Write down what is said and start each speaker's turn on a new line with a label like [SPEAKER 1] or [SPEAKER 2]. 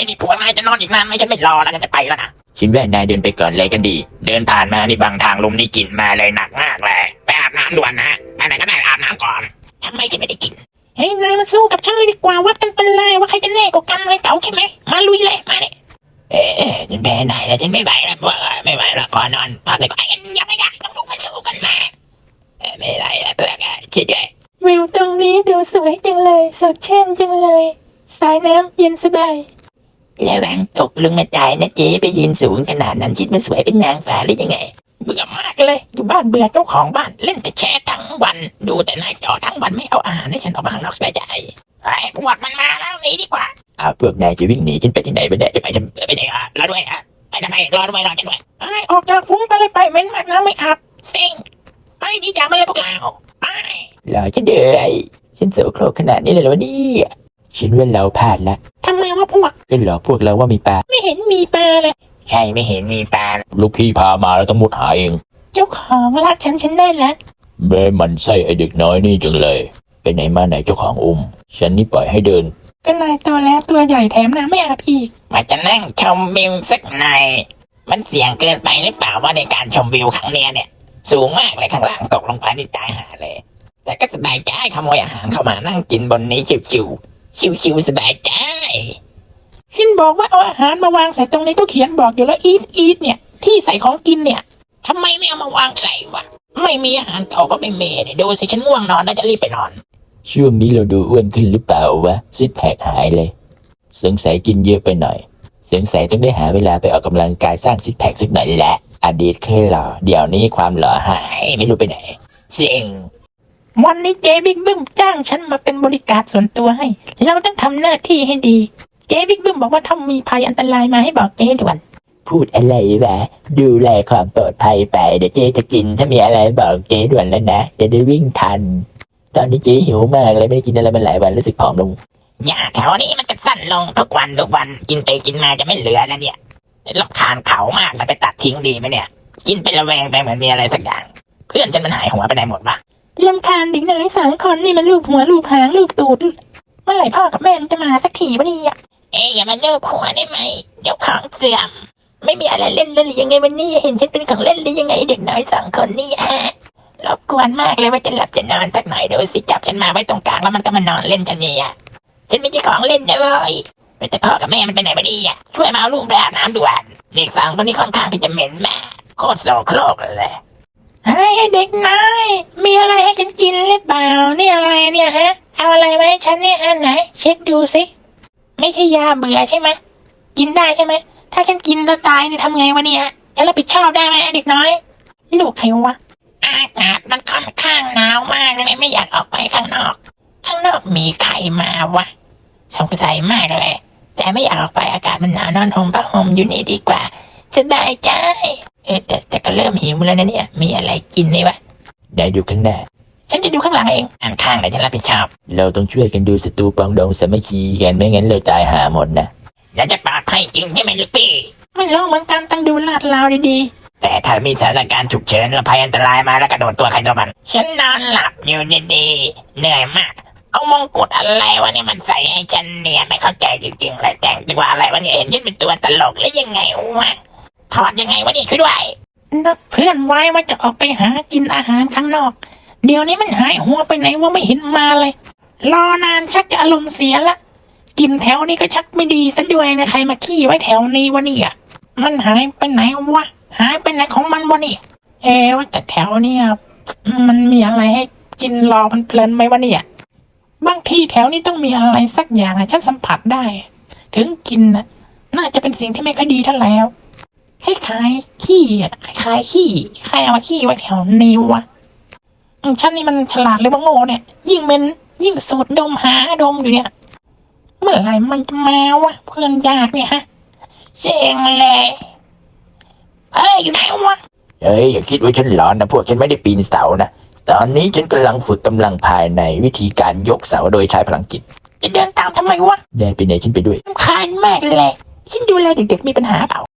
[SPEAKER 1] นี่ผัวนายจะนอนอีกนานไหมฉันไม่รอแล้วฉันจะไปแล้วนะคิดว่านายเดินไปก่อนเลยก็ดีเดินผ่านมานี่บางทางลมนี่กลิ่นมาเลยหนักมากเลยไปอาบน้ำด่วนนะไปไหนก็ได้อาบน้ำก่อนทำไมจะไม่ได้กินเฮ้ยนายมาสู้กับฉันเลยดีกว่าวัดกันเป็นเลยว่าใครจะแน่กว่ากันเลยเก๋าใช่ไหมมาลุยเลยมาเนี่ยฉันแพ้ไหนแล้วฉันไม่ไหวแล้วไม่ไหวแล้วขอนอนพักเลยก็ยังไม่ได้ต้องดูมันสู้กันมาไม่ไหวแล้วเพื่อนช่วยด้วยวิวตรงนี้ดูสวยจังเลยสดชื่นจังเลยสายน้ำเย็นสบายระวังตกลงมาตายนะเจ๊ไปยืนสูงขนาดนั้นคิดมันสวยเป็นนางฟ้าหรือยังไงเบื่อมากเลยอยู่บ้านเบื่อเจ้าของบ้านเล่นแต่แชร์ทั้งวันดูแต่หน้าจอทั้งวันไม่เอาอาหารให้ฉันออกมาข้างนอกสบายใจไอ้พวกมันมาแล้วหนีดีกว่าพวกนายจะวิ่งหนีฉันไปที่ไหนไปเนี่ยจะไปไหนรอด้วยไปทำไมรอด้วยรอฉันด้วยไอ้ออกจากฟุ้งไปเลยไปเม้นมากนะไม่อาบเซ็งไปนี่จากมาเลยพวกเราไปรอฉันเดือยฉันโสโครกขนาดนี้เลยเหรอเนี่ยฉันว่าเราพลาดละทำไมวะพวกก็หลอกพวกเราว่ามีปลาไม่เห็นมีปลาเลยใช่ไม่เห็นมีปลาลูกพี่พามาแล้วต้องมุดหาเองเจ้าของรักฉันได้แล้วแม่มันไส้ไอเด็กน้อยนี่จังเลยไปไหนมาไหนเจ้าของฉันนี่ปล่อยให้เดินก็นายตัวแล้วตัวใหญ่แถมน้ำไม่อาบอีกมาจะนั่งชมวิวสักหน่อยมันเสี่ยงเกินไปหรือเปล่าว่าในการชมวิวครั้งนี้เนี่ยสูงมากเลยข้างล่างตกลงไปนี่ตายหาเลยแต่ก็สบายใจขโมยอาหารเข้ามานั่งกินบนนี้ชิวๆสบายใจฉันบอกว่าเอาอาหารมาวางใส่ตรงนี้ก็เขียนบอกอยู่แล้วอีทเนี่ยที่ใส่ของกินเนี่ยทำไมไม่เอามาวางใส่วะไม่มีอาหารเก่าก็ไม่เมเนี่ยดูสิฉันง่วงนอนแล้วจะรีบไปนอนช่วงนี้เราดูอ้วนขึ้นหรือเปล่าวะซิกแพคหายเลยสงสัยกินเยอะไปหน่อยสงสัยต้องได้หาเวลาไปออกกำลังกายสร้างซิกแพคสักหน่อยแหละอดีตเคยหล่อเดี๋ยวนี้ความหล่อหายไม่รู้ไปไหนเซ็งวันนี้เจ๊บิ๊กบึ้มจ้างฉันมาเป็นบริการส่วนตัวให้เราต้องทำหน้าที่ให้ดีเจ๊บิ๊กบึ้มบอกว่าถ้ามีภัยอันตรายมาให้บอกเจ๊ด่วนพูดอะไรวะดูแลความปลอดภัยไปเดี๋ยวเจ๊จะกินถ้ามีอะไรบอกเจ๊ด่วนแล้วนะจะได้วิ่งทันตอนนี้เจ๊หิวมากเลยไม่ได้กินอะไรมาหลายวันรู้สึกผอมลงหญ้าแถวนี้มันจะสั้นลงทุกวันกินไปกินมาจะไม่เหลือแล้วเนี่ยรำคาญเขามากเลยไปตัดทิ้งดีไหมเนี่ยกินไประแวงไปเหมือนมีอะไรสักอย่างเพื่อนฉันมันหายหัวไปไหนหมดวะรำคาญเด็กน้อย3 คนนี่มันลูบหัวลูบหางลูบตูดเมื่อไหร่พ่อกับแม่มันจะมาสักทีวะเนี่ยอย่ามาลูบหัวได้ไหมเดี๋ยวของเสื่อมไม่มีอะไรเล่นเลยยังไงวันนี้เห็นฉันเป็นของเล่นหรือยังไงเด็กน้อย2 คนนี่ฮะรบกวนมากเลยว่าจะหลับจะนอนสักหน่อยดูสิจับฉันมาไว้ตรงกลางแล้วมันก็มานอนเล่นฉันเนี่ยฉันไม่ใช่ของเล่นนะเว้ยแต่พ่อกับแม่มันไปไหนวะเนี่ยช่วยมาเอาลูกไปอาบน้ำด่วนเด็ก2 คนนี้ค่อนข้างที่จะเหม็นมากโคตรโสโครกเลยไอ้เด็กน้อยมีอะไรให้ฉันกินหรือเปล่านี่อะไรเนี่ยฮะเอาอะไรไว้ให้ฉันเนี่ยอันไหนเช็คดูสิไม่ใช่ยาเบื่อใช่ไหมกินได้ใช่ไหมถ้าฉันกินแล้วตายนี่ทำไงวะเนี่ยจะรับผิดชอบได้ไหมเด็กน้อยลูกใครวะอากาศมันค่อนข้างหนาวมากเลยไม่อยากออกไปข้างนอกมีใครมาวะสงสัยมากเลยแต่ไม่อยากออกไปอากาศมันหนาวนอนห่มผ้าห่มอยู่นี่ดีกว่าสบายใจแต่ก็เริ่มหิวแล้วนะเนี่ยมีอะไรกินนี่วะได้ดูข้างหน้าฉันจะดูข้างหลังเองอันข้างไหนฉันรับผิดชอบเราต้องช่วยกันดูศัตรูปองดองสามัคคีกันไม่งั้นเราตายหาหมดนะแล้วจะปลอดภัยจริงใช่ไหมลูกพี่ไม่รู้เหมือนกันต้องดูลาดราวดีๆแต่ถ้ามีสถานการณ์ฉุกเฉินและภัยอันตรายมาแล้วกระโดดตัวใครตัวมันฉันนอนหลับอยู่ดีๆเหนื่อยมากเอามงกุฎอะไรวะเนี่ยมันใส่ให้ฉันเนี่ยไม่เข้าใจจริงๆเลยแต่งตัวอะไรวะเนี่ยเห็นฉันเป็นตัวตลกหรือยังไงวะถอดยังไงวะเนี่ยช่วยด้วยนัดเพื่อนไว้ว่าจะออกไปหากินอาหารข้างนอกเดี๋ยวนี้มันหายหัวไปไหนว่าไม่เห็นมาเลยรอนานชักจะอารมณ์เสียละกินแถวนี้ก็ชักไม่ดีซะด้วยนะใครมาขี้ไว้แถวนี้วะเนี่ยมันหายไปไหนวะหายไปไหนของมันวะเนี่ยว่าแต่แถวเนี่ยมันมีอะไรให้กินรอมันเพลินไหมวะเนี่ยบางทีแถวนี้ต้องมีอะไรสักอย่างฉันสัมผัสได้ถึงกินน่าจะเป็นสิ่งที่ไม่ค่อยดีเท่าไหร่คล้ายๆขี้คล้ายๆขี้ใครเอามาขี้ไว้แถวนี้วะฉันนี่มันฉลาดหรือว่าโง่เนี่ยยิ่งสูดดมหาดมอยู่เนี่ยเมื่อไหร่มันจะมาวะเพื่อนยากเนี่ยฮะเสียงเลยอยู่ไหนวะอย่าคิดว่าฉันหลอนนะพวกฉันไม่ได้ปีนเสานะตอนนี้ฉันกำลังฝึกกำลังภายในวิธีการยกเสาโดยใช้พลังจิตจะเดินตามทำไมวะได้ไปไหนฉันไปด้วยรำคาญมากเลยฉันดูแลเด็กๆมีปัญหาเปล่า